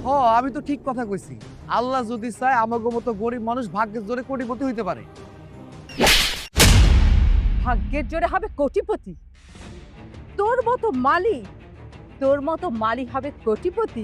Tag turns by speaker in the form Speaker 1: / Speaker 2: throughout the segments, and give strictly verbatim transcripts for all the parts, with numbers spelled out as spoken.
Speaker 1: হ আমি তো ঠিক কথা কইছি। আল্লাহ যদি চায় আমাগো মতো গরিব মানুষ ভাগ্যের জোরে কোটিপতি হইতে পারে।
Speaker 2: ভাগ্যের জোরে হবে কোটিপতি? তোর মতো মালি তোর মতো মালি হবে কোটিপতি?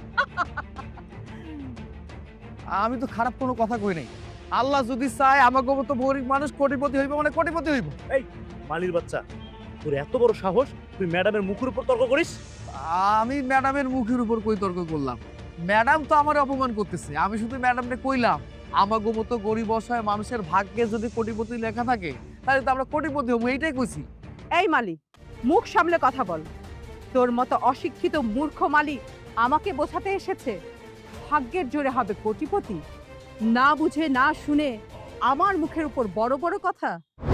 Speaker 1: আমি তো খারাপ কোনো কথা কই নাই। আল্লাহ যদি চায় আমাগো মতো গরিব মানুষ কোটিপতি হইব মানে কোটিপতি হইব।
Speaker 3: মালির বাচ্চা, তোর এত বড় সাহস তুই ম্যাডামের মুখের উপর তর্ক করিস?
Speaker 1: আমি ম্যাডামের মুখের উপর কই তর্ক করলাম? ম্যাডাম তো আমার অপমান করতেছে। আমি শুধু ম্যাডামকে কইলাম আমাগো মতো গরিব অসহায় মানুষের ভাগ্যে যদি কোটিপতি লেখা থাকে তাহলে তো আমরা কোটিপতি হবো, এইটাই কইছি।
Speaker 2: এই মালি, মুখ সামলে কথা বল। তোর মতো অশিক্ষিত মূর্খ মালি আমাকে বোঝাতে এসেছে ভাগ্যের জোরে হবে কোটিপতি? না বুঝে না শুনে আমার মুখের উপর বড় বড় কথা।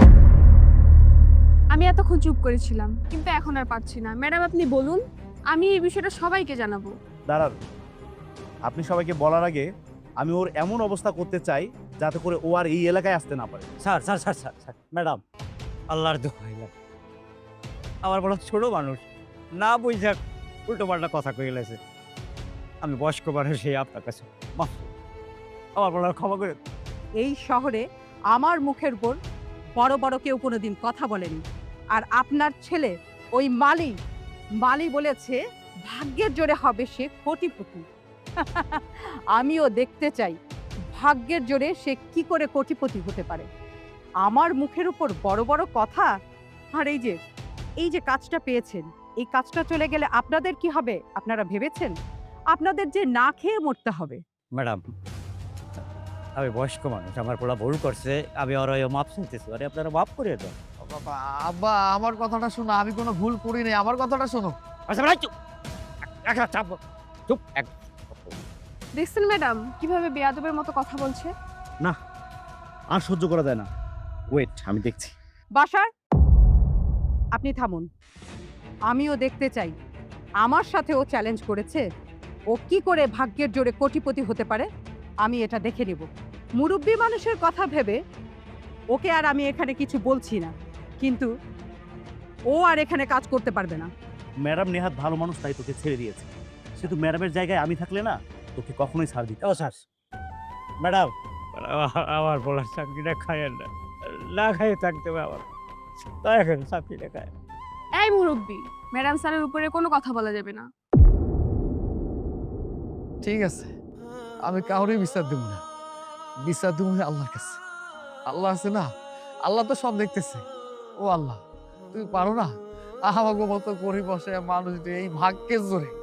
Speaker 4: আমি এতক্ষণ চুপ করেছিলাম, কিন্তু এখন আর পারছি না। ম্যাডাম আপনি বলুন, আমি এই বিষয়টা সবাইকে জানাবো।
Speaker 3: দাঁড়ান, আপনি সবাইকে বলার আগে আমি ওর এমন অবস্থা করতে চাই যাতে করে ও আর এই এলাকায় আসতে না পারে।
Speaker 5: Sir sir sir sir sir madam, আল্লাহর দোহাই লাগে, আমার বড় ছোট মানুষ, না বুঝা উল্টো পাল্টা কথা কয়ে গেছে। আমি বয়স্ক মানুষ, এই আপনার কাছে মাফ, আমার বড় ক্ষমা করে।
Speaker 2: এই শহরে আমার মুখের উপর বড় বড় কেউ কোনোদিন কথা বলেনি। আর আপনার ছেলে ওই মালি মালি বলেছে ভাগ্যের জোরে হবে সে কোটিপতি। আমিও দেখতে চাই ভাগ্যের জোরে সে কি করে কোটিপতি হতে পারে। আমার মুখের উপর বড় বড় কথা। আর এই যে এই যে কাজটা পেয়েছেন, এই কাজটা চলে গেলে আপনাদের কি হবে আপনারা ভেবেছেন? আপনাদের যে না খেয়ে মরতে হবে।
Speaker 5: ম্যাডাম, আমি বয়স্ক মানুষ, আমার পোলা ভুল করছে, আমি ওর মাপ চাইতেছি, আরে আপনারা মাফ করে দেন।
Speaker 1: বাবা, আব্বা আমার কথাটা শোনো, আমি কোনো ভুল করি নাই, আমার কথাটা শোনো।
Speaker 5: আচ্ছা ম্যাডাম চুপ, একটা চাপ, চুপ এক।
Speaker 4: দেখছেন ম্যাডাম কিভাবে বেয়াদবের মতো কথা বলছে?
Speaker 3: না, আর সহ্য করা যায় না। ওয়েট, আমি দেখছি।
Speaker 2: বাসার, আপনি থামুন। আমিও দেখতে চাই আমার সাথে ও চ্যালেঞ্জ করেছে, ও কি করে ভাগ্যের জোরে কোটিপতি হতে পারে। আমি এটা দেখে নিব। মুরব্বী মানুষের কথা ভেবে ওকে আর আমি এখানে কিছু বলছি না, কিন্তু ও আর এখানে কাজ করতে পারবে না।
Speaker 3: ম্যাডাম নেহাত ভালো মানুষ, তাই তোকে ছেড়ে দিয়েছে। শুধু ম্যাডামের জায়গায় আমি থাকলে না, তোকে কখনোই ছাড় দিত।
Speaker 5: ও স্যার, ম্যাডাম আমার বলার চাকরিটা খায়েন না, না খাইয়ে থাকতে হবে আমার, তাই এখন চাকরিটা খায়।
Speaker 4: এই মুরব্বি, ম্যাডাম স্যারের উপরে কোনো কথা বলা যাবে না।
Speaker 1: ঠিক আছে, আমি কাউরে বিচার দেবো না, বিচার দেবো আল্লাহর কাছে। আল্লাহ আছে না, আল্লাহ তো সব দেখতেছে। ও আল্লাহ, তুমি পারো না আমাকে মতো গরিব বসে মানুষ দিয়ে এই ভাগ্যের জোরে